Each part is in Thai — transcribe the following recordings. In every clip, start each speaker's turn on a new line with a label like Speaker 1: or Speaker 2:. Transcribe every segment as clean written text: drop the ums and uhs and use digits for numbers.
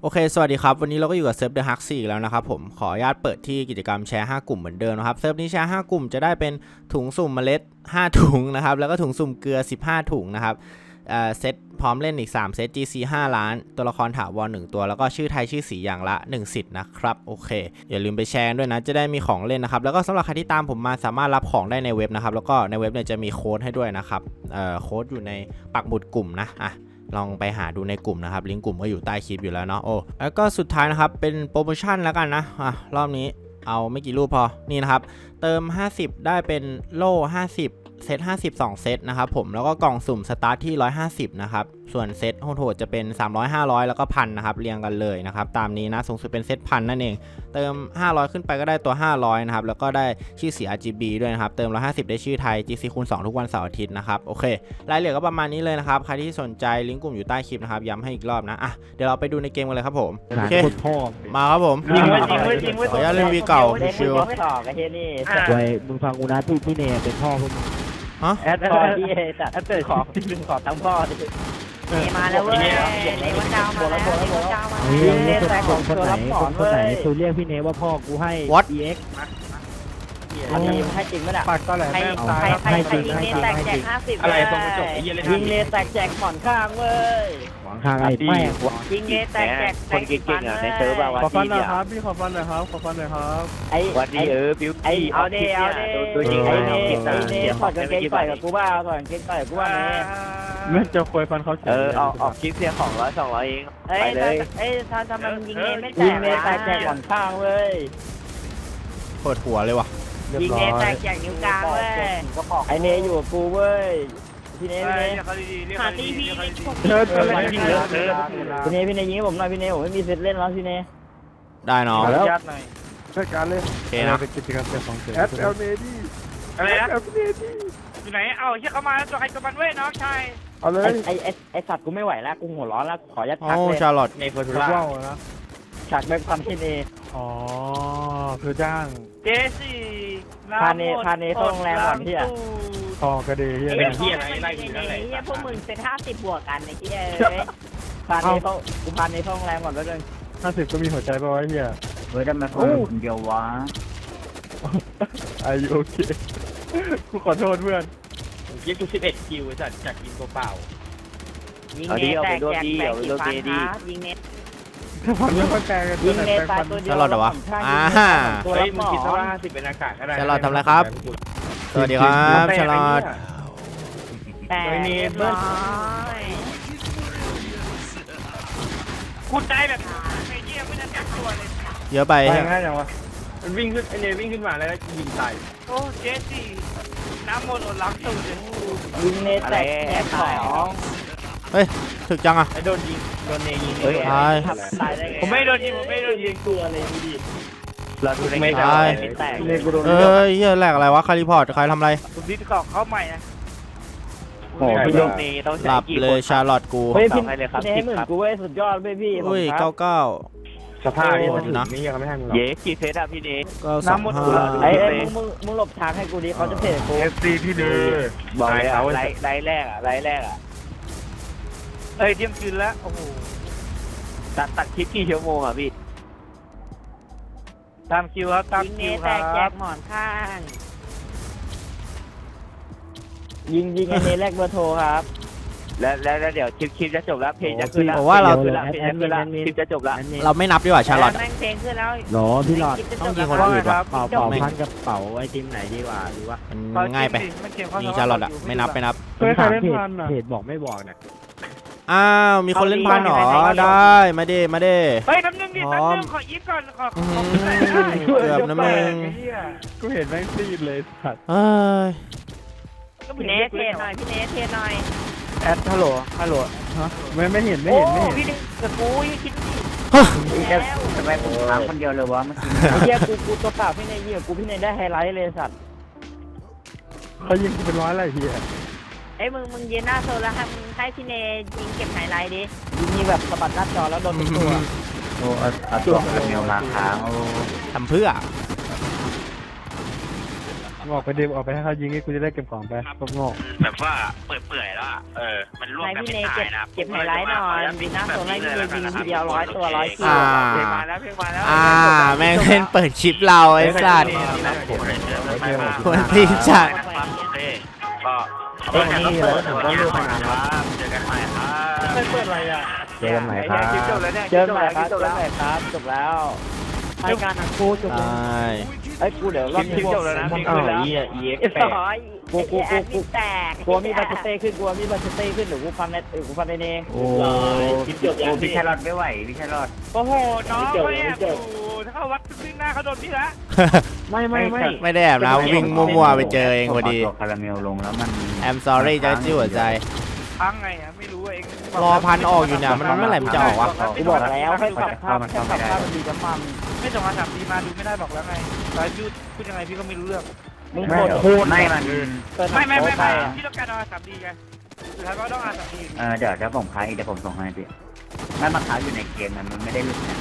Speaker 1: โอเคสวัสดีครับวันนี้เราก็อยู่กับเซิร์ฟ The Hack 4แล้วนะครับผมขออนุญาตเปิดที่กิจกรรมแชร์5กลุ่มเหมือนเดิมนะครับเซิร์ฟนี้แชร์5กลุ่มจะได้เป็นถุงสุ่มเมล็ด5ถุงนะครับแล้วก็ถุงสุ่มเกลือ15ถุงนะครับเซตพร้อมเล่นอีก3เซต GC 5 ล้านตัวละครถาวร1ตัวแล้วก็ชื่อไทยชื่อสีอย่างละ1สิทธิ์นะครับโอเคอย่าลืมไปแชร์ด้วยนะจะได้มีของเล่นนะครับแล้วก็สำหรับใครที่ตามผมมาสามารถรับของได้ในเว็บนะครับแล้วก็ในเว็บเนี่ยจะมีโค้ดให้ด้วยนะครับโค้ดอยู่ในปักหมุดกลุ่มนะลองไปหาดูในกลุ่มนะครับลิงก์กลุ่มก็อยู่ใต้คลิปอยู่แล้วเนาะโอ้แล้วก็สุดท้ายนะครับเป็นโปรโมชั่นแล้วกันนะรอบนี้เอาไม่กี่รูปพอนี่นะครับเติม50ได้เป็นโล่50เซต50 2เซตนะครับผมแล้วก็กล่องสุ่มสตาร์ทที่150นะครับส่วนเซตโหดจะเป็น300 500แล้วก็1,000นะครับเรียงกันเลยนะครับตามนี้นะสูงสุดเป็นเซต1,000นั่นเองเติม500ขึ้นไปก็ได้ตัว500นะครับแล้วก็ได้ชื่อสี RGB ด้วยนะครับเติม150ได้ชื่อไทย GC คูณ2ทุกวันเสาร์อาทิตย์นะครับโอเครายละเอียดก็ประมาณนี้เลยนะครับใครที่สนใจลิงก์กลุ่มอยู่ใต้คลิปนะครับย้ำให้อีกรอบนะเดี๋ยวเราไปดูในเกมกันเลยครับผมโอเคมาครับผมขออนุญาตเล่นวีเก่าชิว
Speaker 2: ต่อกันเฮียนี่
Speaker 3: ไว้มึงฟังกูนะพี่เนยเป็นพ่อพวกมึง
Speaker 2: แอดพอที่จัดแอดเติร์ขอทั้งพ่อดิมาแล้วเว้ยในวันดาวมาแล้วในวันดาวมาเล่นแต่ของตัวรับสอนเว้ย
Speaker 3: กูเรียกพี่เนยว่าพ่อกูให้ EX
Speaker 2: อันนี้ให้จริงไหมล่ะ
Speaker 4: ปากก็แหละ
Speaker 2: ใครยิงเลนแตกแจก50อะไรตรงกระจกยิงเลนแตกแจกหมอนข้างเว้ย
Speaker 3: หวังข้างไอ้แม่ง
Speaker 2: ยิงเลนแตกแจกคนเก่งๆในเซิร์ฟอะ
Speaker 4: ขอฟันหน่อยครับพี่ขอฟันหน่อยครับขอฟันหน่อยครับ
Speaker 2: ไอ้วันนี้บิวไอ้เอาเดตัวจริงไอ้เนถอดกางเกงต่อยกับกูบ้าถอดกางเกงต่อยกับกูบ้าเนี่ย
Speaker 4: ไม่จะควยฟันเขา
Speaker 2: ออกคลิปเพียง200 200เองไปเลยทำไมยิงเลนไม่แตกยิงเลนแตกแจกหมอนข้างเว้ย
Speaker 1: เปิดหัวเลยว่ะ
Speaker 2: ยิงเนแตกแจกนิ้วกลางเว้ยไอเนอยู่กับกูเว้ยพี่เนหาตีพี่พี่เนยิงผมหน่อยพี่เนผมไม่มีเซตเล่นแล้วพี่เน
Speaker 1: ได้เนาะ
Speaker 4: แล้วช่วยกันเลย
Speaker 1: โอเคนะ
Speaker 4: เป็นกิจกรรมของเสือSL Navy
Speaker 5: อะไรนะ
Speaker 4: SL Navy
Speaker 5: อยู่ไหนเอาเชี่ยเขามาตัวใครตัวมันเว้ยน้องชาย
Speaker 4: เอาเลย
Speaker 2: ไอสัตว์กูไม่ไหวแล้วกูหัวร้อนแล้วขอยัดพัก
Speaker 1: โอ้
Speaker 2: เลย
Speaker 1: ชาร์ลอต
Speaker 5: ในเฟอร์ทู
Speaker 4: ว้า
Speaker 5: ล่าว
Speaker 4: นะ
Speaker 2: ฉากแบบความพี่เน
Speaker 4: อ๋อคือจ้าง
Speaker 5: เจสี่
Speaker 2: พาเนเข้าโรงแรมก่อนพี่อะ
Speaker 4: ทองกระเดีย
Speaker 5: ไอ้เหี้ยอะไรไล่อยู่นั่นแหละ
Speaker 6: เฮียพวกมึงเป็น50 บวกกันไอ้เฮีย
Speaker 2: พาเนเข้ากูพาเนเข้าโรงแรมก่อนแล้วกัน
Speaker 4: 50ก็มีหัวใจป่าวไอ้เหี้ย
Speaker 2: เฮ้ยทำไมคนเดียววะ
Speaker 4: อายุโอเคกูขอโทษเพื่อน
Speaker 5: ยิงกู11คิวจัดจากกินตัวเปล่า
Speaker 6: ยิงเนตแตกแจกแบงค์กี่ฟันครับยิงเนต
Speaker 4: ถ้าฟันไม่ค่อยแปลกัน
Speaker 2: ยิงเนตายตัวเดียว
Speaker 1: ชาร์ลอตเหรอวะ
Speaker 2: ตัว
Speaker 5: เฮ้
Speaker 2: รั
Speaker 5: ย
Speaker 2: บห
Speaker 5: มึ
Speaker 2: ม
Speaker 5: ง
Speaker 2: อ
Speaker 5: คิดซะว่า50เป็นอากาศก็ได้
Speaker 1: ชาร์ลอตทำอะไรครับสวัสดีครับชาร์ลอต
Speaker 6: แต่เรียบร้อย
Speaker 5: คุณได้แบบไอ้เหี้ยไม่ได้จับตัวเลย
Speaker 1: เยอะไป
Speaker 4: ไปง่ายจังวะ
Speaker 5: มันวิ่งขึ้นไอ้เนี่ยวิ่งขึ้นมาแล้วยิงตายโอ้เจสี่น้ำมนต์อดล้างตูดเลย
Speaker 2: ยิงเนตแตกแจกของ
Speaker 1: เฮ้ยถึกจังอะ
Speaker 5: ไอ้โดนยิงโดนเนยิง
Speaker 2: เฮ้ย
Speaker 1: ตาย
Speaker 2: ตายได้ไง
Speaker 5: ผมไม่โดนยิงผมไม่โดนยิง
Speaker 2: ตัวเลยดูดิ
Speaker 5: เราดูได้ไง
Speaker 1: ตาย
Speaker 2: แตก
Speaker 4: เรียกกูโดน
Speaker 1: เอ้ยเหี้ยแหลกอะไรวะใครรีพอร์ตใครทำอะไร
Speaker 5: คุณดิสกอกเข้าใหม่นะ
Speaker 2: โอ้พี่โดน
Speaker 1: หลับเลยชาร์ลอตกู
Speaker 2: เฮ้ยพี่เนให้หมื่นกูเว้ยสุดยอดเว้ยพี่
Speaker 1: อุ้ย
Speaker 2: ผมครับ
Speaker 1: 99
Speaker 4: สภาพนี่
Speaker 1: นะ
Speaker 4: นี่ยังไม่ให้มึง
Speaker 5: เย้กี่เซตอะพี่เน
Speaker 1: ก็
Speaker 5: น้ำมนต์
Speaker 1: 25
Speaker 2: ไอ้มึงหลบทางให้กูดิเขาจะเพจกู
Speaker 4: FC พี่เดือ
Speaker 5: บอกเลยอะไลแรกอะเอ้ยเที่ยงคืนแล้วโอ้โหตัดคลิปกี่ชั่วโมงอะพี่ตามคิวครับตาม
Speaker 6: ยิงเน
Speaker 5: คิว
Speaker 6: ต
Speaker 5: ค
Speaker 6: แต
Speaker 5: รั
Speaker 6: กแจ
Speaker 5: บ
Speaker 6: กหมอนข้าง
Speaker 2: ยิงไอ้เนแรกเบอร์โทรครับ
Speaker 5: แล้วเดี๋ยวคลิปจะจบแล้วเพลงจะขึ้นแล้ว
Speaker 1: ผมว่าเรา
Speaker 5: เพลงจะขึ้นแล้วคลิปจะจบแล้ว
Speaker 1: เราไม่นับดีกว่าชาร์ลอต
Speaker 6: แม่งเพลงขึ้นแล้ว
Speaker 3: หรอพี่หลอด
Speaker 1: ต้องยิงคนอื่นว่ะ
Speaker 3: เป่าพันกับเป่าไอติมไหนดีกว่าหรือว่า
Speaker 1: มันง่ายไปยิงชาร์ลอตอะไม่นับ
Speaker 4: เคยใครเล่นพันอ่ะ
Speaker 3: เพจบอกไม่บอกเนี่ย
Speaker 1: อ้าวมีคนเล่นพันหรอได้มาเด้
Speaker 5: เฮ้ยแป๊บนึงดิแป๊บนึงขอยิปก่อนขอ
Speaker 1: เกือบนะมึง
Speaker 4: กูเห็นแม่งซีดเลยสัตว์
Speaker 1: เอ้ย
Speaker 6: พี่เนตเทหน่อยพี่เนตเทหน่อย
Speaker 5: แอดฮัลโหล
Speaker 4: ไม่เห็น
Speaker 6: โอ้พี่เนตกับกูยังคิดแล้ว
Speaker 2: ทำไมผมถามคนเดียวเลยวะเมื่อกี้ไอ้เหี้ยกูตัวเปล่าพี่เนยยิงกับกูพี่เนยได้ไฮไลท์เลยสัตว์
Speaker 4: เขายิงกูเป็นร้อยอะไรเฮีย
Speaker 6: ไอ้มึงยืนหน้าโซนแล้วให้พี่เนยิงเก็บไฮไลท์ดิ
Speaker 2: ยิงแบบสะบัดหน้าจอแล้วโดนเป็นตัว
Speaker 3: โอ้ตัวเมลมาค้าง
Speaker 1: ทำเพื่อ
Speaker 4: ออกไปเดิมออกไปให้เขายิงให้กูจะได้เก็บของไปพวกโง่
Speaker 5: แบบว่าเปื่อยๆแล้วมันร่วม
Speaker 6: นาย
Speaker 5: กัน
Speaker 6: พี่
Speaker 5: ไม่
Speaker 6: เน
Speaker 5: ตายนะ
Speaker 6: เก็บไฮไลท์หน่อยยิงหน้าโซนให้พี่เนยิงทีเดียว100 ตัว100 คิว
Speaker 5: เพลงมาแล้วเพลงมาแล้ว
Speaker 1: แม่งเล่นเปิดคลิปเราไอ้สัตว์ควรตีจัด
Speaker 5: ก็นี่เลยผมก็รู้มานานแล้วเจอกันใหม่ครับ
Speaker 3: ไม่เปิดอะไรอ่ะเจอกันใหม่ครับ
Speaker 2: เจอกันใหม่ครับจบแล้ว
Speaker 3: รายการหนังกูจบ
Speaker 1: ใช่
Speaker 2: ไอ้กูเดี๋ยวรอบนี้
Speaker 5: จบแล้วนะ
Speaker 3: มัน
Speaker 5: ขึ้น
Speaker 3: เอา
Speaker 5: แล้ว
Speaker 2: กู
Speaker 6: แตก
Speaker 2: กลัวมีบัตเต้ขึ้นเดี๋ยวกูฟันในเนง
Speaker 3: โอ้ย
Speaker 2: พี่แครอทไม่ไหวพี่แครอท
Speaker 5: โอ้โหน้องเขาแอบอยู่ถ้าเขาวัดซึ่งหน้าเขาโดนพี่ละ
Speaker 1: ไม่ได้แอบนะวิ่งมั่วๆไปเจอเองพอดี
Speaker 2: คาราเมลลงแล้วมัน
Speaker 1: I'm sorry จะจิ้วหัวใจ
Speaker 5: พังไงไม่รู้เอง
Speaker 1: รอพันออกอยู่เนี่ยมันเมื่อไหร่มันจะออกวะ
Speaker 2: กูบอกแล้วให้ขับภาพมันดีกับมัน
Speaker 5: ไม่ส่งมา3 ปีมาดูไม่ได้บอกแล้วไงตอนพูดยังไงพี่ก็ไม่รู้เรื่อง
Speaker 2: มึงพูดไม่มัน
Speaker 5: ไม่พี่ต้องการเอา3 ดีไงสุดท้ายก็ต้องเอา3 ดี
Speaker 2: เดี๋ยวผมขายเดี๋ยวผมส่งให้พี่ไม่มาขายอยู่ในเกมมันไม่ได้หลุดนะ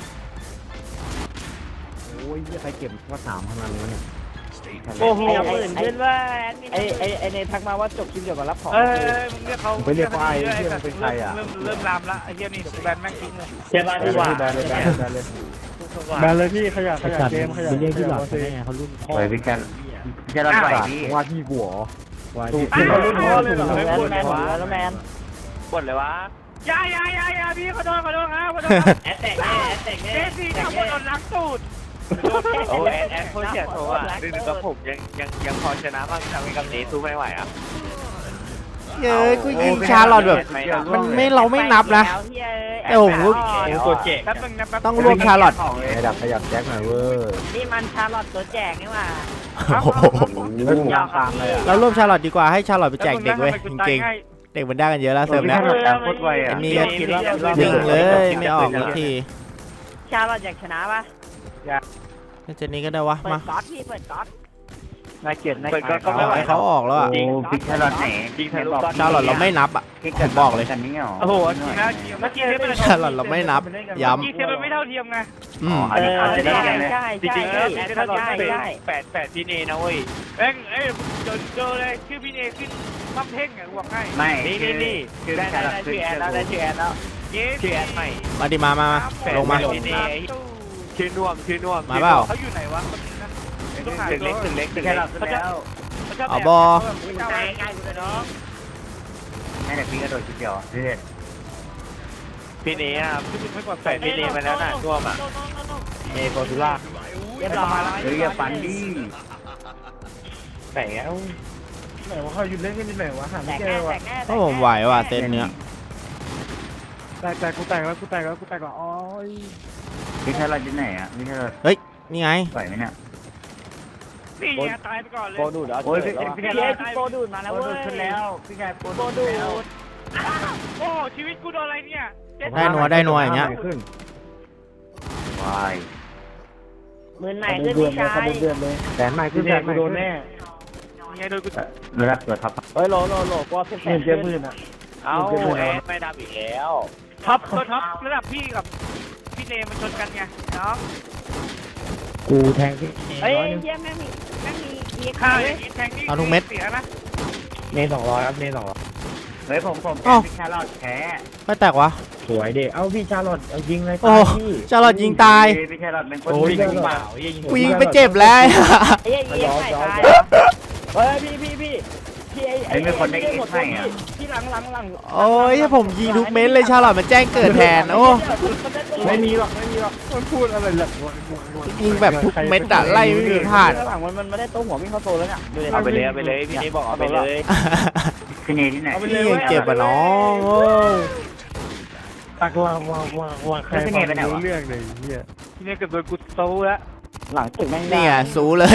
Speaker 3: โอ้ยใครเก็บว่าถามขนาดนี้เนี่ย
Speaker 6: โอ้โหอื่นขึ้นว่าแอดมิน
Speaker 2: ไอเนทักมาว่าจบคลิปเกี่ยวกับรับของ
Speaker 5: มึงเรียกเขาเริ่มลามละไอ้เหี้ยนี่แบนแม่งทิ้งเลย
Speaker 3: เจ็บอะไรดีกว่า
Speaker 4: แบนเลยพี่ขยะเกมขยะ
Speaker 3: ไม่ใช่ที่หลับ
Speaker 4: สิ
Speaker 3: แน่เขารุ่นพ่อ
Speaker 2: ไปพี่แค่รับไหวพี่
Speaker 3: ว่าที่หัวว่าที่
Speaker 2: เขารุ่นพ่อเลยเหรอแล้วแมน
Speaker 5: บ่นเลยวะยาพี่ขอโทษครับแอดแตกเจซี่ทำบนโดนล้างตูดโอ้แอดคนเสียโทอ่ะดึงกับผมยังพอชนะบ้างทำให้กับนี้สู้ไม่ไหวอ่ะ
Speaker 1: เย้ยกูยิงชาร์ลอตแบบมันไม่เราไม่นับนะ แต่ผมก็
Speaker 5: ตัวเจ๊แป๊บนึงนะแป๊บ
Speaker 1: ต้องรวมชาร์ลอต
Speaker 3: ขยับแจ็คหน่อยเว้ย
Speaker 6: นี่มันชาร์ลอตตัวแจกนี่หว่า
Speaker 2: ยาวตามเลยอ่ะ
Speaker 1: เรารวมชาร์ลอตดีกว่าให้ชาร์ลอตไปแจกเด็กเว้ยจริงๆเด็กมันได้กันเยอะแล้วเสริมแล้ว
Speaker 2: โคตรไวอ่ะ
Speaker 1: อันนี้วิ่งเลยไม่ออกสักที
Speaker 6: ชาร์ลอตอยากชนะปะ
Speaker 1: เจนนี้ก็ได้วะ
Speaker 6: เปิ
Speaker 1: มา
Speaker 6: ดก๊อตพี่เปิดก๊อต
Speaker 2: น่าเกลียดน่า
Speaker 5: ก็ไม่ไหว
Speaker 1: ให้เขาออกแล้วอ่ะ
Speaker 2: โอ้พี่แครอทไหน
Speaker 1: ชาร์ลอตเราไม่นับอ่ะผมบอกเลย
Speaker 2: กันนี่หรอ
Speaker 5: โอ้โหจริงนะเมื่อกี้เทปมัน
Speaker 1: ชาร์ลอตเราไม่นับย้
Speaker 5: เมื่อกี้เทปมันไม่เท่าเทียมไง
Speaker 1: ำอืม
Speaker 6: ใช่
Speaker 5: จริงๆแล้วถ้าเราเป็น
Speaker 6: ใช่
Speaker 5: 8พี่เนนะเว้ยเอ้ยเจอเลยชื่อพี่เนขึ้นมักเพ่งอ่ะบอกให้
Speaker 2: ไม่นี่คือได้ชื่อแอนแล้วได้ชื่อแอนแล้ว
Speaker 5: ชื่อแอดใหม่
Speaker 1: มาดิมาลงมา
Speaker 5: พี่เนชื่อน่วม
Speaker 1: มาเปล่า
Speaker 5: เขาอยู่ไหนวะถึงเล็ก
Speaker 2: แครอทแล้ว
Speaker 1: เอาบอ
Speaker 6: ใกล้ใกล้กูเลยน้อง
Speaker 2: ไม่แต่พี่กระโดดชุดเดียวเด็ด
Speaker 5: พี่เนอ่ะพี่เนมาแล้วน่ะน่วมอ่ะ
Speaker 3: เอโกทูล่า
Speaker 6: เรียบร้อย
Speaker 2: เฮ้ยอย่าฟันดิ
Speaker 5: แต่แล้ว
Speaker 4: ไหนวะเขาหยุดเล่นกันที่ไหนวะหา
Speaker 6: แต
Speaker 4: ไม่
Speaker 6: ก
Speaker 4: เจ
Speaker 6: แน่
Speaker 4: อ
Speaker 6: แต
Speaker 4: วะ
Speaker 6: กแน่
Speaker 1: เพราะผมไหวว่ะเซตเนี้ย
Speaker 4: แต่กูแตกแล้วอ๋อ
Speaker 2: พี่แครอทที่ไหนอ่ะพี่แครอท
Speaker 1: นี่ไง
Speaker 2: ไหวไหมเนี่ย
Speaker 5: นี่ตายไปก่อนเลย
Speaker 2: โปรดูดโอ้ยพี่แครอท
Speaker 6: โปรดูดมาแล้ว
Speaker 2: โปร
Speaker 6: เว้
Speaker 2: ดู
Speaker 6: ย
Speaker 2: ดขึ้นแล้วพี่แครอท
Speaker 6: โปรดูด
Speaker 5: โอ้ชีวิตกูโดนอะไรเนี่ย
Speaker 1: ได้นัวอย่างเงี้ย
Speaker 3: ขึ้น
Speaker 2: วาย
Speaker 6: มือไหนขึ้นพี่ชาย
Speaker 3: แสนใหม่ขึ้นแสนใหม่โดนแน่
Speaker 5: ไงโดนกู
Speaker 2: ระดับตัวท็อปเฮ้ยโลกว่าแสน
Speaker 4: เจอมือน่ะ
Speaker 5: เอาแอดไม่ดำอีกแล้วท็อประดับพี่กับพี่เนมันชนกันไงเนาะ
Speaker 3: กูแทงที่
Speaker 6: เฮ้ยเยี่ยมแม่มีมี
Speaker 5: ข้า
Speaker 6: ข้าว ว
Speaker 5: อย่างนี้แทงนี่เสียนะ
Speaker 3: เน200ครับเน200
Speaker 2: เฮ้ยผมพี่แครอทแพ้
Speaker 1: ไม่แตกวะ
Speaker 3: สวยเด็กเอ้าพี่ชาลอตเอายิงเลย
Speaker 1: โอ้ชาร์ลอตยิงตาย
Speaker 2: พี่แครอทเป็นคน
Speaker 3: โอ้ย
Speaker 2: ยิง
Speaker 3: เปล่า
Speaker 1: กูยิงไปเจ็บแล้ว
Speaker 6: ไอ้ยี่ยี่ไข่ตาย
Speaker 2: เฮ้ยพี่ไอ้ไม่คนได้กินให้อ่ะ
Speaker 6: ที่หลัง
Speaker 1: โอ้ยผมยิงทุกเม็ดเลยชาร์ลอตมันแจ้งเกิดแทนโอ้
Speaker 4: ไม่มีหรอกมันพูดอะไรหลัก
Speaker 1: ยิงแบบทุกเม็ดอะไล่ไม่มีพลาด
Speaker 2: หลังมันไม่ได้ตัวหัววิ่งเข้าโซแล้วเนี่ย
Speaker 5: เอาไปเลยพี่นี่บอกเอาไปเลย
Speaker 2: พี่เนที่ไหน
Speaker 1: นี่ยังเจ็บอ่ะน้องโอ้
Speaker 4: ตักว่าใครรู้เรื่องเลยเฮีย
Speaker 5: พี่นี่เกือบโดนกูโซ่แล้ว
Speaker 2: หลังตึกแม่ง
Speaker 1: นี่ไงสูเลย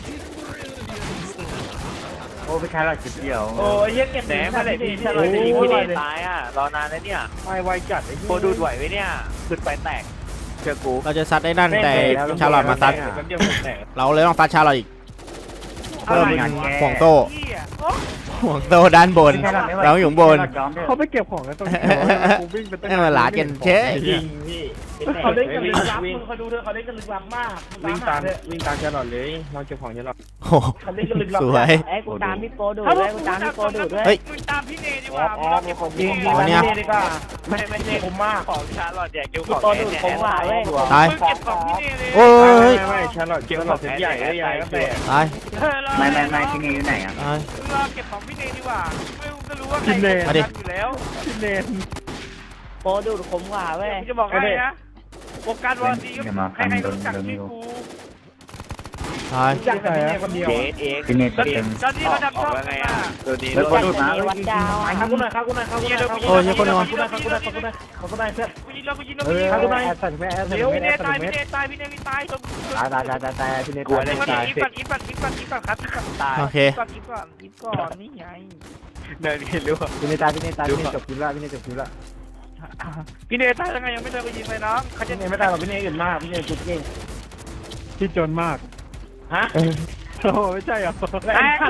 Speaker 2: โอ้พี่แครอทจุดเดียว
Speaker 5: โอ้ยเก็บแหนมาเลยพี่ถ้าเราจะยิงพี่เนตายอ่ะรอนานแล้วเนี่ย
Speaker 4: ไม่ไวจัดไอ้
Speaker 5: โคดูดไหวไหมเนี่ยขึ้นไปแตกเจอกู
Speaker 1: เราจะซัดได้นั่นแต่ชาร์ลอตมาซัด
Speaker 5: เดียวแตก
Speaker 1: เราเลยต้องซัดชาร์ลอตอีกเพิ่มเป็นห่วงโต
Speaker 5: พี่อ่ะ
Speaker 1: ห่วงโตด้านบน เราอยู่บน
Speaker 4: เขาไปเก็บของกันตรงนี้กูวิ่งไปตั้ง
Speaker 1: ให้มาหลากันเชย
Speaker 5: ยิงพี่
Speaker 3: เขาเล่นกันลึกลับเขาดูเถอะเขาเล่นกันลึกลับมากวิ่งตามชาลอตเลยเราเก็บของชาลอต
Speaker 1: โอ้โห
Speaker 3: เขาเล่นกันลึกลับ
Speaker 1: สวย
Speaker 6: ไอ้กูตามพี่โปดูด้วยกูตามพี่โปดูด้วย
Speaker 1: เฮ้ย
Speaker 5: มึงตามพี่เนดีกว่า
Speaker 3: อ๋อมีของดี
Speaker 1: อ๋อเนี่ย
Speaker 3: ดีกว่าไม่เนผมมาก
Speaker 5: ของชาลอตอยากดูข
Speaker 6: พี่
Speaker 5: อง
Speaker 6: โปดูผมว่าเว้ย
Speaker 1: ตาย
Speaker 5: มึงเก็บของพี่เนเลย
Speaker 1: โอ้ย
Speaker 3: ไม่ชาลอตเก็บของเส้นใหญ่ได้ใหญ่ก็แต่
Speaker 1: ตาย
Speaker 5: ไม่พี่เนอยู่ไหนอ่ะ
Speaker 1: ตาย
Speaker 5: มึงรอเก็บของพี่เนดีกว่าไม่มึงก็รู้ว่าใครทำอยู่แล้ว
Speaker 3: พี่เนน
Speaker 6: โปดูผมว่าเว้ย
Speaker 5: กูจะบอกให้นะวงการวอร์ซีก็ใครๆก็รู้จักชื่อกู
Speaker 1: ตาย
Speaker 3: จักแต่พี่เนคนเดียว
Speaker 5: พี่เนตอนนี้เขาทำช่องไงอ่ะตัวนี้
Speaker 6: รู้จักแต่เนวัดดาว
Speaker 3: ข้ากูหน่อยข้ากูหน่อยข้ากูหน่อย
Speaker 1: โอ้ยเหี้ยคนนอน
Speaker 3: ข้ากูหน่อยข้ากูหน่อยข้ากูหน่อยข้ากูหน่อยเพื่อน
Speaker 5: กูยิงแล้วกูยิงแล้ว
Speaker 3: เอ
Speaker 5: กูยิง
Speaker 3: อข้ากูหน่อยแอดสั่นแม่แอดสั่น
Speaker 5: เดี๋ยว
Speaker 3: แม่
Speaker 5: พี่เน
Speaker 3: แอดสั่
Speaker 5: ตาย
Speaker 3: นแม่
Speaker 5: พี่เนตายพี่เนตตายตรง
Speaker 3: ตายพี่เน
Speaker 5: กลัว
Speaker 3: ตาย
Speaker 5: เลย
Speaker 3: ตาย
Speaker 5: อีกก่อนครับตาย
Speaker 1: โอเค
Speaker 5: อีกก่อนนี่ไงเดินเห็นรู้
Speaker 3: พี่เนตายพี่เนตายพี่เนจบคิวละพี่เนจบคิวละ
Speaker 5: พี่เนตายยังไงยังไม่เดินไปยิงเลยน้องเขาจะ
Speaker 3: พี่เนไม่ตายหรอกพี่เนอื่นมากพี่เนจุดเก่ง
Speaker 4: ที่จนมาก
Speaker 3: ฮะ
Speaker 4: โอ้ไม่ใช่เหรอ
Speaker 5: แตก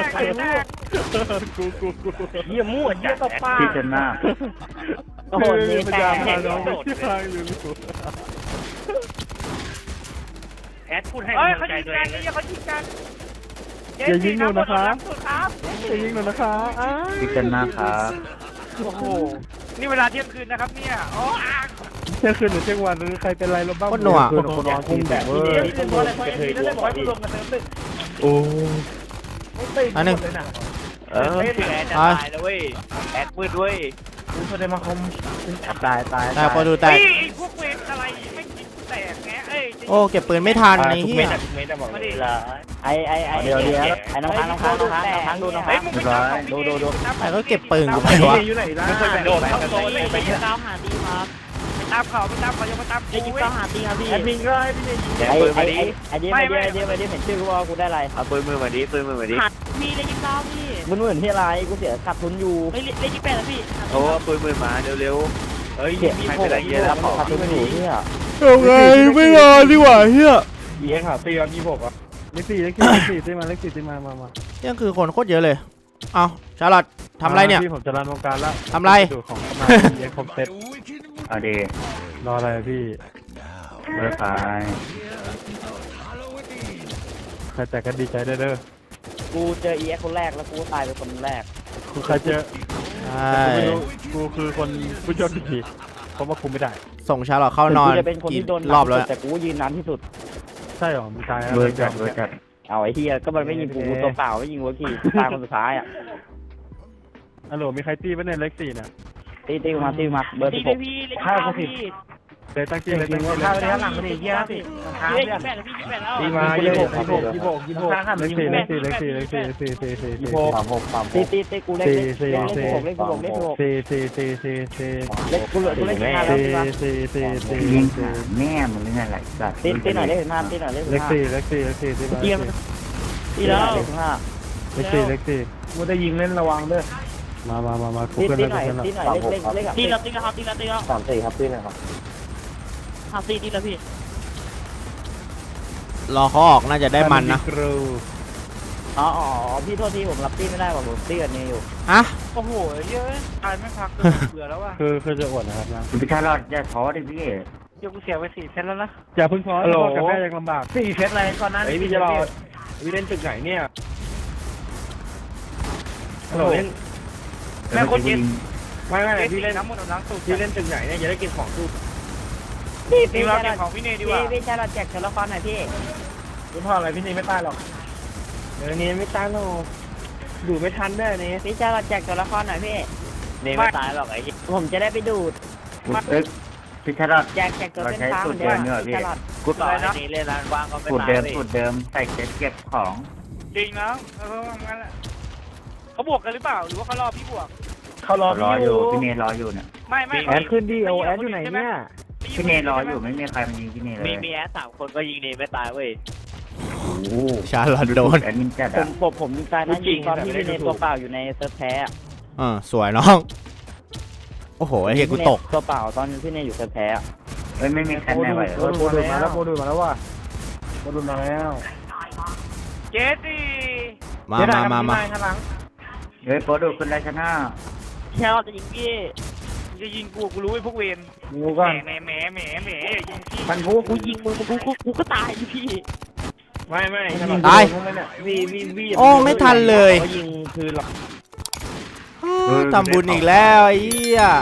Speaker 5: กู
Speaker 3: เยี่ยมั่วเยี่ยตบปาก
Speaker 2: ที่จนหน้า
Speaker 6: โอ้โหนี่
Speaker 4: มัน
Speaker 6: แต่
Speaker 4: จะพาน้องไปที่ทางอยู่
Speaker 5: แอดพูดให้เขายิงกันนี่เขายิงกัน
Speaker 4: อย่ายิงหนูนะคะ
Speaker 5: ครับ
Speaker 4: จะยิงหนูนะคะ
Speaker 2: ที่จนหน้าครับ
Speaker 5: โอ้โหนี่เวลาเที่ยงคืนนะครับเนี่ยโอ้
Speaker 4: เที่ยงคืนหรือเที่ยงวันหรือใครเป็นไรเราบ้าง
Speaker 1: โคตรหนัว
Speaker 3: คืนคนนอนคุมแบบ
Speaker 5: พี่
Speaker 3: เว้ย
Speaker 5: เนบอกอะไรพี่เนบอกให้กูลงกันเติมตึก
Speaker 4: โอ้
Speaker 1: อันหนึ่ง
Speaker 5: แอดจะตายแล้วเว้ยแอดมืดเว้ย
Speaker 3: คุณแสดงมาคมตาย
Speaker 1: ตายพอดูแตก
Speaker 5: พวกเวรอะไรไม่กินแตกแงเอ้ย
Speaker 1: โอ้เก็บปืนไม่ทันไอ้
Speaker 3: ทุก
Speaker 1: เหี้
Speaker 3: เม็
Speaker 1: ย
Speaker 3: ดทุกเม็ดบอก
Speaker 5: มา
Speaker 3: เล
Speaker 5: ดิ
Speaker 3: ย
Speaker 6: เดี๋ยวไอ้น้องค้างดูน้องค้าง
Speaker 5: ดู
Speaker 1: แต่ก็เก็บปืนกูไปวะ
Speaker 3: อยู่ไหนล่ะ
Speaker 5: ไม่เคยโดนเข้าโซนเลย
Speaker 6: ไปยิงเก้าหาดีครับ
Speaker 5: ไปตามเขายังมาตาม
Speaker 6: ไปยิงเก้าหาดีครับพี่
Speaker 3: แอดมินก็ให้พี่เนยิง
Speaker 6: ไอเดียเห็นชื่อกูว่ากูได้อะไร
Speaker 5: เอาปืนมือมาดิปืนมือมาดิ
Speaker 6: หัดพี่ได้ยิงเก้าพี่
Speaker 2: มึงเหมือนที่อะไรกูเสียขาดทุนอยู่
Speaker 6: ไม่ได้ยิงแปดแล้วพี่
Speaker 5: โอ้ปืนมือมาเร็ว
Speaker 3: เฮ้ย
Speaker 2: เสีย
Speaker 5: ใครเป็นไรเยอะแล้ว
Speaker 2: ขาดทุนอยู่เนี่ย
Speaker 1: เอาไงไม่รอดีกว่าเฮีย
Speaker 3: เยี่ยขาตีกันยี่หกอ่ะ
Speaker 4: เลขสี่ที่มามา
Speaker 1: เที่ยงคือคนโคตรเยอะเลย เอาชาลอตทำไรเนี่ย
Speaker 4: พี่ผมจะรันวงการแล้ว
Speaker 1: ทำไร
Speaker 4: ดูของมาเย็นครบเซ็ต
Speaker 2: เอาดี
Speaker 4: รออะไรพี่
Speaker 2: เมื่อตาย
Speaker 4: ใครแต่ก็ดีใจได้เด้อ
Speaker 2: กูเจอเอ็กคนแรกแล้วกูตายเป็นคนแรก
Speaker 4: คือใครเจอ
Speaker 1: ใช่
Speaker 4: กูไม่รู้กูคือคนผู้โชคดีเพราะว่าคุมไม่ได้
Speaker 1: ส่งชาลอตเข้านอน
Speaker 2: กูจะเป็นคน
Speaker 1: กี่
Speaker 2: ที่โดน
Speaker 1: รอบแล้ว
Speaker 2: แต่กูยืนนานที่สุด
Speaker 4: ใช่หรอมีตาย
Speaker 2: เบอร์จัดเอาไอ้เฮียก็มันไม่ยิงกูตัวเปล่าไม่ยิงหัวขี่ตายคนสุดท้ายอ่ะ
Speaker 4: ฮัลโหลมีใครตีป่ะเนี่ยเลขสี่เนี่ย
Speaker 2: ตีมาเบอร์16
Speaker 6: พี่เลย
Speaker 3: ข้าวก็สิบ
Speaker 4: เลยตั้งจี้เลย
Speaker 3: จริ
Speaker 4: ตั้
Speaker 3: ง
Speaker 4: ง
Speaker 3: ว่า
Speaker 4: จี้เลย
Speaker 3: ข้าวไปด้านหลังก็ดีเยี่ยสิข้าว
Speaker 6: ได้
Speaker 3: เนี่ย
Speaker 6: ยิงแปดแล้วพี่ยิงแปดแล้ว
Speaker 3: ตีมายี่หกข้าง
Speaker 4: เลขสี่
Speaker 2: ตีกูเล่นเลข16 เล็กกูเหลือกูเล่น5แล้วตีมา
Speaker 4: ยิง
Speaker 2: แม่มึงนี่แหละสัตว์ตีหน่อยเลข5ตีหน่อยเลข
Speaker 4: เลข
Speaker 2: 5
Speaker 4: สี่ที่มา
Speaker 6: เยี่ยมตีแล้ว
Speaker 2: เลข5
Speaker 4: เลขสี่
Speaker 3: กูจะยิงเล่นระวังด้วย
Speaker 4: มาคุ
Speaker 2: ตี
Speaker 4: กัน
Speaker 2: หน่อย
Speaker 4: แล้ว
Speaker 2: ตีหน่อยเลข
Speaker 6: ตีแล้วครับตีแล้ว
Speaker 2: 34ครับตีหน่อยครับ
Speaker 6: หาตีดีแล้วพี่
Speaker 1: รอเขาออกน่าจะได้มันนะ
Speaker 2: อ๋อพี่โทษทีผมรับตีไม่ได้ผมตีกันนี่อยู่
Speaker 1: ฮะ
Speaker 5: โอ้โหเยอะตายไม่พักเบื่อแล้วว่ะ
Speaker 4: คือจะอวดนะครับนะ
Speaker 2: พี่ชายรอดอย่าท้อดิพี่
Speaker 5: เดี๋ยวกูเสียไป4 เซนแล้วนะ
Speaker 4: อย่าพึ่งท้อพ่อกับแม่ยังลำบาก
Speaker 3: 4 เซตอะไรก่อนนั้นพี่จะรอพี่เล่นตึกไหนเนี่ยฮัลโหลเล่น
Speaker 5: แม่คนเย็น
Speaker 3: ไม่
Speaker 5: พี่
Speaker 3: พี่
Speaker 5: เล่
Speaker 3: เล่
Speaker 5: น
Speaker 3: น
Speaker 5: น้ำมันน้ำสูบ
Speaker 3: พี่เล่นตึกไหนเนี่ยจะได้กินของตู้
Speaker 5: พี่เราเก็บของพี่เนดีกว่า
Speaker 6: พี่ชายเราแจกตัวละครหน่อยพี่
Speaker 3: คุณพ่ออะไรพี่นี่ไม่ตายหรอกเดี๋ยวนี้ไม่ตายหรอกดูไม่ทันได้นี่
Speaker 6: พี่ชายเราแจกตัวละครหน่อยพี่
Speaker 5: เนไม่ตายหรอกไอ้
Speaker 6: ผมจะได้ไปดูด
Speaker 2: พี่ชายรอด
Speaker 6: แจกตัวเป็นฟ้าเหมือนเดิมพี่ชายเรา
Speaker 5: กูต่อยนะนี่เล่นร้านว่างก็ไม่
Speaker 2: สูตร
Speaker 5: ตาย
Speaker 2: เดิมสูตรเดิมใส่เก็บของ
Speaker 5: จริงนะงั้นแหละเขาบวกกันหรือเปล่าหรือว่าเขารอพี่บวก
Speaker 3: เขารอ
Speaker 2: รอ
Speaker 3: พี่
Speaker 2: อ
Speaker 3: อยู่ ยู่
Speaker 2: พี่เนรออยู่เนี่ย
Speaker 5: ไม่
Speaker 3: แอดขึ้นดิโอแอดอยู่ไหนเนี่ย
Speaker 2: พี่เนรออยู่ไม่มีใครมายิงพี่เนเลย
Speaker 5: มีแอส3 คนก็ยิงเนไม่ตายเว้ย
Speaker 2: โอ้
Speaker 1: ชาลอตโดน
Speaker 2: แอดมินจัดผมยิงตายนะยิงตอนที่พี่เนตัวเปล่าอยู่ในเซิร์ฟแพ้
Speaker 1: สวยน้อง โอ้โหไอ้เหี้ยกูตก
Speaker 2: ตัวเปล่าตอนพี่เนอยู่เซิร์ฟแพ้เฮ้ยไม่มีใครแน่ไหว
Speaker 3: โดนมาแล้วโดนมาแล้วว่ะโดนมาแล้ว
Speaker 5: เจสซี่
Speaker 1: มา
Speaker 3: ข้างหลัง
Speaker 2: เฮ้ยโปรดูคุณไรชนะ
Speaker 6: ชายเราจะยิงพี่
Speaker 5: จะยิงกูรู้ไอ้พวกเวร
Speaker 3: กูก่อน
Speaker 5: แหมยิงพี่
Speaker 3: พันผู้
Speaker 6: กูยิงมึงกูก็ตายดิพี่
Speaker 3: ไม่
Speaker 1: ตาย
Speaker 3: วี
Speaker 1: โอ้ไม่ทันเลย
Speaker 3: เขายิงคือหลัก
Speaker 1: ทำบุญอีกแล้วไอ้เหี้ย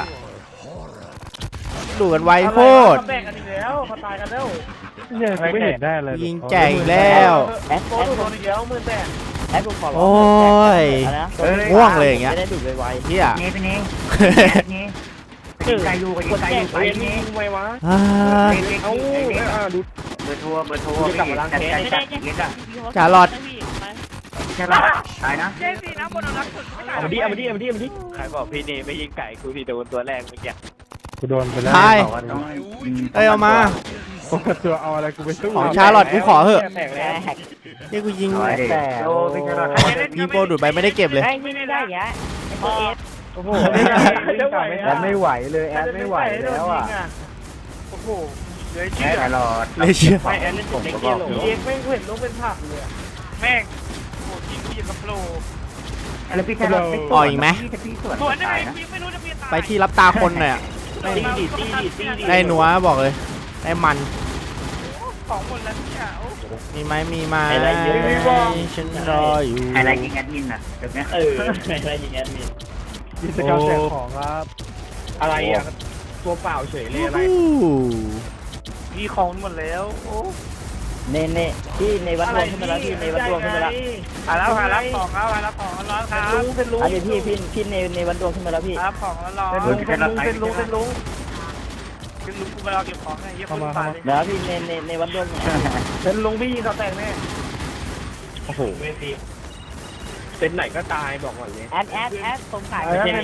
Speaker 1: ดูกันไวโคตร
Speaker 3: แบ่งกันอีกแล้วเขาตายกันแล้ว
Speaker 4: เนี่ยกูไม่เห็นได้เลย
Speaker 1: ยิงแจกอีกแล้ว
Speaker 2: แอด
Speaker 3: โอ้โดนอีกแล้ว18,000
Speaker 2: แอดกูขอร้
Speaker 1: โอ้ย ง่วงเลยอย่างเงี้ย
Speaker 2: จะได้ดูดไว
Speaker 1: เหี้ย
Speaker 2: ๆนี่เป็นนี้นี่ใจอยู่กับใจอยู่
Speaker 3: ไปยิงไววะ
Speaker 1: อ้าย
Speaker 3: เอาดู
Speaker 2: เบอร์โทรพี่
Speaker 3: กลับมาล้างแค้น
Speaker 6: ไม่ได้
Speaker 1: จารอด
Speaker 2: ใช่ป่ะตายนะ
Speaker 5: เจ๊สีน้ำบนรักสุดไม่ตาย
Speaker 3: เอามาดิ
Speaker 5: ใครบอกพี่เนไม่ยิงไก่กูที่โดนตัวแรกเมื่อกี้
Speaker 4: กูโดนไปแล้ว
Speaker 1: ใช่
Speaker 2: บอกว่าต้อง
Speaker 1: เอ้ยเอามา
Speaker 4: ปกติเอาอะไรกูไปสู้
Speaker 1: ของชาลอตกูขอเหอะ
Speaker 3: แตกแล้ว
Speaker 1: นี่กูยิง
Speaker 2: แต่โอ้เป็นไงล่ะ
Speaker 1: ยิงโปรดูดไปไม่ได้เก็บเลย
Speaker 6: ไอ้นี่ไม่ได้ยะไอ้ตัวเอส
Speaker 3: โอ้โห
Speaker 2: แอดไม่ไหวเลยแอดไม่ไหวแล้วอ่ะ
Speaker 5: โอ้โหเหลือเชื่อ
Speaker 2: ตลอด
Speaker 1: เลยเชื่อ
Speaker 3: ไม่แอนเล่นผมก็บอกเอ็กไม่เห็นลงเป็นผักเลย
Speaker 5: แม่งโอ้ยิงกูยิงกับโปร
Speaker 2: แล้วพี่แค่เรา
Speaker 1: อ่อยอีกไหม
Speaker 5: สวนได้ไหมยิงไม่รู้จะเปลี่ยนตาย
Speaker 1: ไปที่รับตาคนหน่อยอะ
Speaker 3: ตีดิ
Speaker 1: ได้หนัวบอกเลย ได้มัน
Speaker 5: ของหมดแล้วเนี่ยโอ้
Speaker 1: มีไหมมีไหม
Speaker 2: อะไรเยอะไม่บอก
Speaker 1: ฉันรออยู่
Speaker 2: อะไรยิงแอดมินอ่ะแบบนี้อะไรยิงแอดมิน
Speaker 4: กิจกรรมแจกของครับ
Speaker 3: อะไรอ่ะตัวเปล่าเฉยเลยอะไร
Speaker 5: มีของหมดแล้วโอ้
Speaker 2: เน่ที่ในวัดรวมขึ้นมาแล้วที่ในวัดรวมขึ้นมาแล้ว
Speaker 5: หาแล้วของแล้วร้อนครับ
Speaker 3: เป็นลุง
Speaker 2: อันนี้พี่ในวัดรวมขึ้นมาแล้วพี่
Speaker 5: รับของแล้วร้อน
Speaker 3: เป็นลุง
Speaker 5: คือลุงกูมารอเก็บของไงเยี่ยมคนตายเลย
Speaker 2: แล้วพี่ในวัดรวม
Speaker 3: เป็นลุงพี่ยิงเขาแตกแน่โอ้โหเป็นไหนก็ตายบอกก่อนเลย
Speaker 6: แอดผมขายเป็นแดง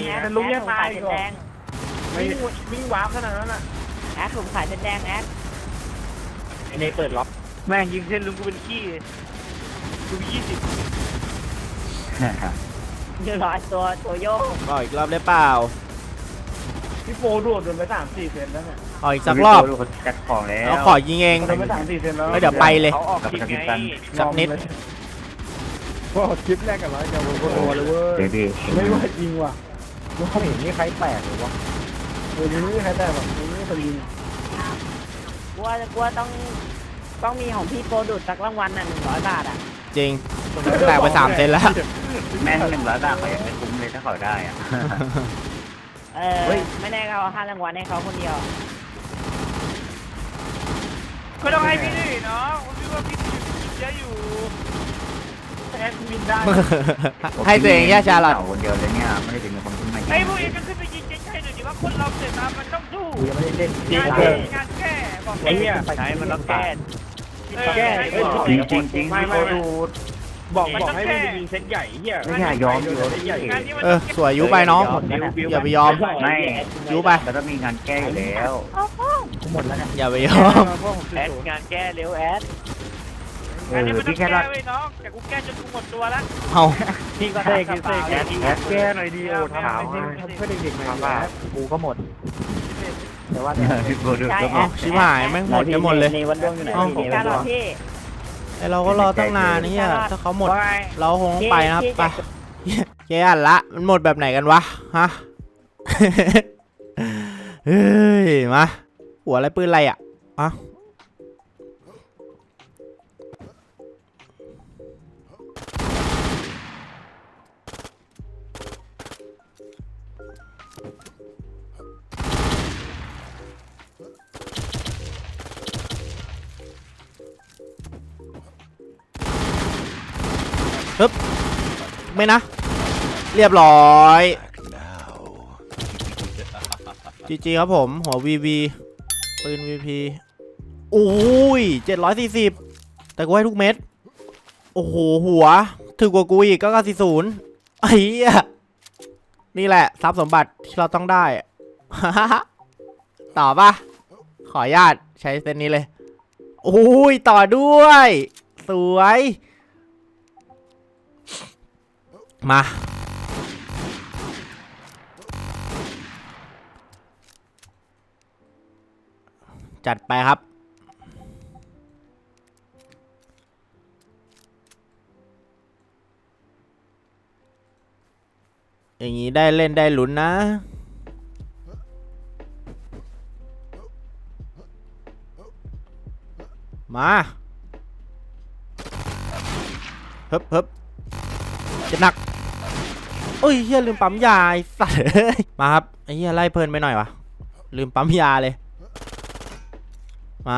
Speaker 3: วิ่งวาร์ปขนาดนั้นอ่ะ
Speaker 6: แอดผมขายเป็นแดงแอด
Speaker 3: ในเปิดล็อก
Speaker 5: แม่งยิงเส้นลุงกูเป็นขี้กู20
Speaker 6: เดี๋ยวรอตัวโยก
Speaker 1: เอาอีกรอบได้เปล่า
Speaker 3: พี่โฟโดดไป3-4 เซนแล้วเนี่ย
Speaker 1: เอาอีกสักรอบ
Speaker 2: จัดของแล้ว
Speaker 1: เอาขอยิงเอง
Speaker 3: โดนไป3-4 เซนแล้ว
Speaker 1: แล้วเดี๋ยวไปเลย
Speaker 5: เขาออกคลิปไง
Speaker 1: สักนิด
Speaker 4: ก็คลิปแรกกันร้อยจะโอ้โหเลยเว้ย
Speaker 2: เดี๋ยวดิ
Speaker 3: ไม่ว่าจริงว่ะไม่เห็นนี่ใครแตกหรือวะเออนี่ใครแตกแบบนี่คนยิง
Speaker 6: กลัวต้องมีของพี่โปรดูดสักรางวัลน่ะ100 บาทอ่ะ
Speaker 1: จริงแตกไป3 เซนแล้ว
Speaker 2: แม่ง100 บาทเขายังไม่คุ้มเลยถ้าเขาได้อ่ะ
Speaker 6: ไม่แน่เขา5 รางวัลให้เขาคนเดียว
Speaker 5: ก็ต้องให้พี่ดิเนาะพี่ว่าพี่เยอะอยู่
Speaker 3: แอดมินได้
Speaker 1: ให้ตัวเองแย่ชาลอต
Speaker 2: คนเดียวเลยเนี่ยไม่ได้ถึงคนขึ้นมา
Speaker 5: ไอ้พวกเองก็ขึ้นไปยิงใจหน่อยดิว่าคนเราเสร็จมามันต้องสู้
Speaker 2: กูยังไม่ได้เล่น
Speaker 5: งานแก้บอก
Speaker 3: ไอ้เนี่ย
Speaker 5: ใช้มันต้องแก้
Speaker 2: จริงเขาดู
Speaker 3: บอกให้มันยิงเซตใหญ่เฮีย
Speaker 2: ไม่อยากยอมอยู่
Speaker 3: ใหญ่
Speaker 1: สวยยุไปน้อง อย่าไปยอม
Speaker 2: ไม่
Speaker 1: ยุไป
Speaker 2: แล้วต้องมีงานแก้อยู่แล้วหมดแล้วเนี่ย
Speaker 1: อย่าไปยอม
Speaker 5: แอดงานแก้เร็วแอด
Speaker 2: เอ
Speaker 5: อันนี้
Speaker 2: อ
Speaker 5: มันต้อ
Speaker 2: พี่
Speaker 5: ง
Speaker 2: แค่
Speaker 5: แก้
Speaker 2: รัก
Speaker 5: ไว้น้องแต่กูแก้จนกูหมดตัวแล้ว
Speaker 1: เอา
Speaker 5: พี่ก็
Speaker 3: เสกเสกแก้หน่อยดีโอ้ถาม
Speaker 4: เพื่อเด็กๆหน่อย
Speaker 2: กูก็หมดแต่ว่าพี่กูดู
Speaker 1: เอาชิบหายแม่งหมดจะหมดเลย
Speaker 2: ในวันดวงอยู่ไหน
Speaker 6: พี่การหรอพี่
Speaker 1: ไอเราก็รอตั้งนานนี่อ่ะถ้าเขาหมด เราคงต้องไปนะครับไปแกอ่านละมันหมดแบบไหนกันวะฮะ เฮ้ยมาหัวอะไรปืนอะไรอ่ะอ่ะปึ๊บไม่นะ เรียบร้อยจีครับผม หัว VV ปืน VP โอ้ย740แต่กูให้ทุกเม็ด โอ้โห หัวถึงกว่ากูอีกก็940ไอ้เหี้ยนี่แหละทรัพย์สมบัติที่เราต้องได้ ต่อปะขออนุญาตใช้เส้นนี้เลย โอ้ยต่อด้วย สวย มา จัดไปครับ อย่างนี้ได้เล่นได้ลุ้นนะมาเฮ้บจะหนักโอ้ยเฮียลืมปั๊มยาไอ้สัสมาครับไอ้เฮียไล่เพลินไปหน่อยวะลืมปั๊มยาเลยมา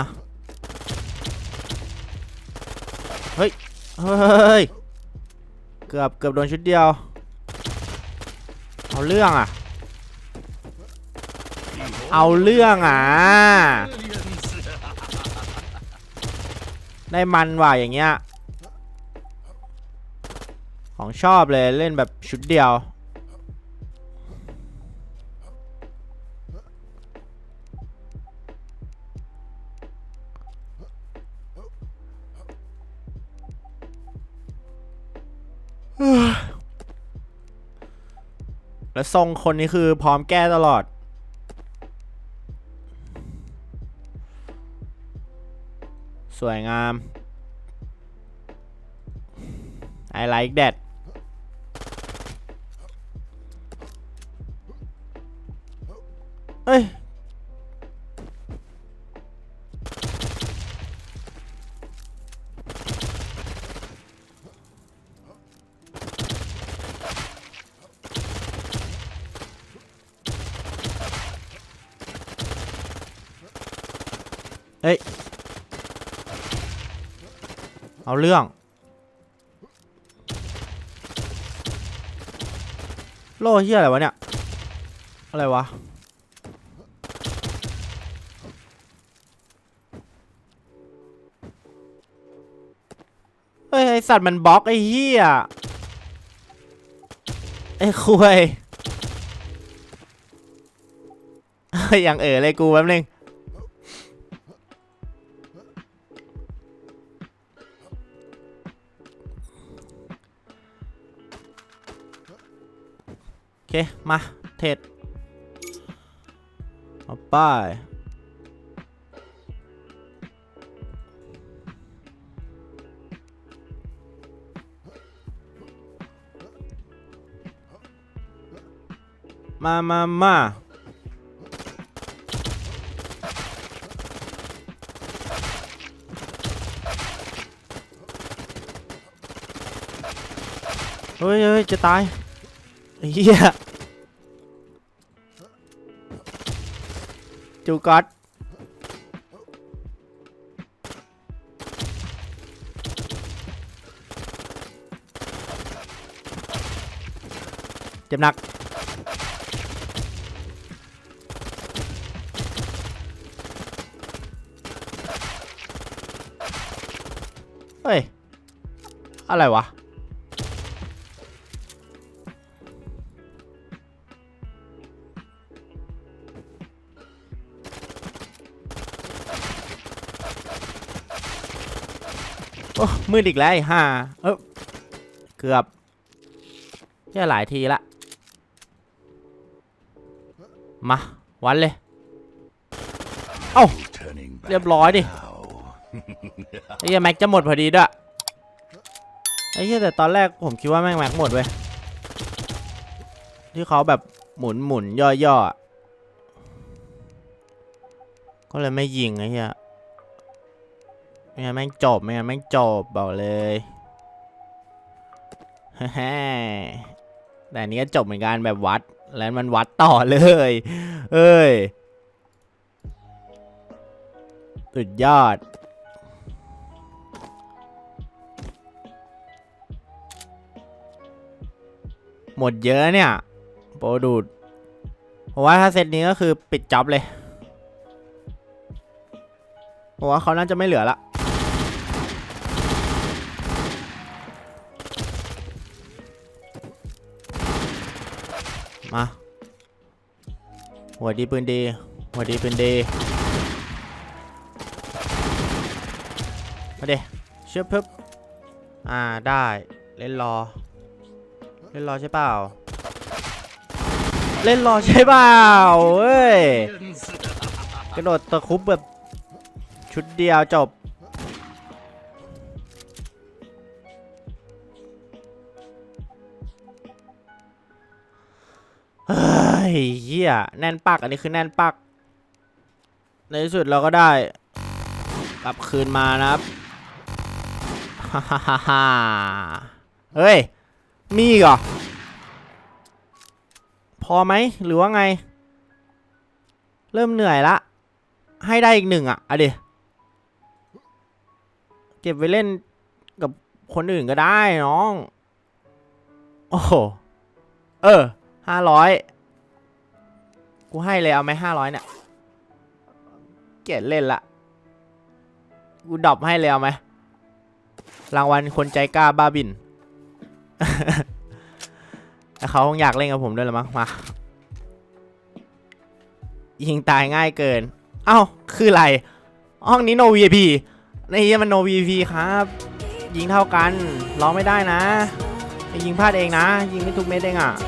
Speaker 1: เฮ้ยเกือบโดนชุดเดียวเอาเรื่องอ่ะได้มันว่ะอย่างเงี้ยของชอบเลยเล่นแบบชุดเดียวแล้วทรงคนนี้คือพร้อมแก้ตลอดสวยงาม I like that เฮ้ยเอาเรื่องโล่เฮียอะไรวะเนี่ยอะไรวะเฮ้ยไอสัตว์มันบล็อกไอเฮียไอคุยอย่างเลยกูแป๊บนึงโอเคมาเทรดเอาไปมาเฮ้ยจะตายเฮียจูก๊อตเจ็บหนักเฮ้ยอะไรวะโอ้มืดอีกแล้วไอ้ห่าเกือบแค่หลายทีละมาวันเลยเอ้าเรียบร้อยดิไอ้เหี้ยแม็กจะหมดพอดีด้วยไอ้เหี้ยแต่ตอนแรกผมคิดว่าแม็กหมดเว้ยที่เขาแบบหมุนย่อก็เลยไม่ยิงไอ้เหี้ยไม่งั้นแม่งจบบอกเลยแต่อันนี้ก็จบเหมือนกันแบบวัดแล้วมันวัดต่อเลยสุดยอดหมดเยอะเนี่ยโปรดูดเพราะว่าถ้าเซตนี้ก็คือปิดจ็อบเลยเพราะว่าเขาน่าจะไม่เหลือละมาหัวดีปืนดีมาดิเชื่อปึ๊บได้เล่นรอใช่เปล่าเฮ้ยกระโดดตะคุบแบบชุดเดียวจบเฮ้ยเหี้ยแน่นปักอันนี้คือแน่นปักในที่สุดเราก็ได้กลับคืนมานะครับฮ่าฮ่าฮ่าฮ่าเฮ้ยมีอีกเหรอพอไหมหรือว่าไงเริ่มเหนื่อยละให้ได้อีก1อ่ะเอาดิเก็บไว้เล่นกับคนอื่นก็ได้น้องโอ้โห500กูให้เลยเอาไหม500เนี่ยเกลียดเล่นละกูดรอปให้เลยเอาไหมรางวัลคนใจกล้าบ้าบิน แต่เขาคงอยากเล่นกับผมด้วยละมั้งมายิงตายง่ายเกินเอ้าคืออะไรห้องนี้ no VIP ในนี้มัน no VIP ครับยิงเท่ากันร้องไม่ได้นะยิงพลาดเองนะยิงไม่ทุกเม็ดเองอ่ะ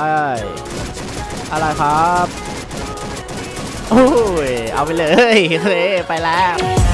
Speaker 1: อะไรครับโอ้ยเอาไปเลยเฮ้ยไปแล้ว